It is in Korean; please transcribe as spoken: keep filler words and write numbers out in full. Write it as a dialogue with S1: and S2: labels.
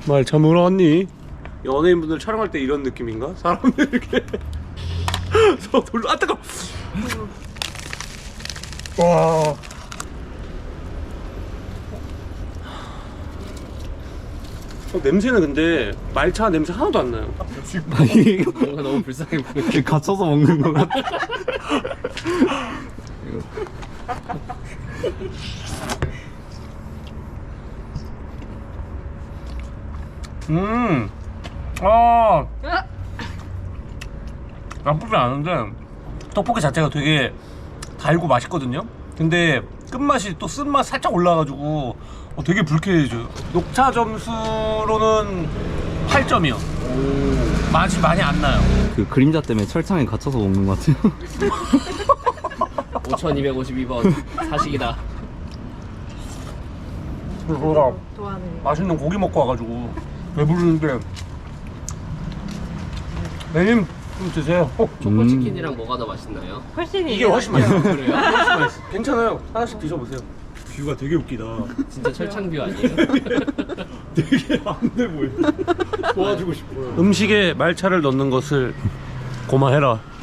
S1: 말차 뭐라 왔니? 연예인분들 촬영할 때 이런 느낌인가? 사람들 이렇게 서 돌려. 아 뜨거. 와. 어, 냄새는 근데 말차 냄새 하나도 안 나요.
S2: 아니
S3: 뭔가 너무 불쌍해 보여.
S2: 갇혀서 먹는 거 같아.
S1: 음. 아. 나쁘지 않은데 떡볶이 자체가 되게 달고 맛있거든요. 근데 끝맛이 또 쓴맛 살짝 올라가지고 어, 되게 불쾌해져요. 녹차 점수로는 팔 점이요. 맛이 많이 안 나요.
S2: 그 그림자 때문에 철창에 갇혀서 먹는 거 같아요.
S3: 오천이백오십이 번 사식이다.
S1: 그러다
S4: 좋아하네.
S1: 맛있는 고기 먹고 와가지고 배부르는데 매님 좀 드세요. 어,
S3: 초코치킨이랑 뭐가 더 맛있나요?
S4: 훨씬
S1: 이게 훨씬 맛있어요.
S3: 그래요?
S1: 훨씬 맛있어. 괜찮아요. 하나씩 드셔보세요. 뷰가 되게 웃기다.
S3: 진짜 철창뷰 아니에요?
S1: 되게 안 돼 보여. 도와주고 싶어요. 음식에 말차를 넣는 것을 고마해라.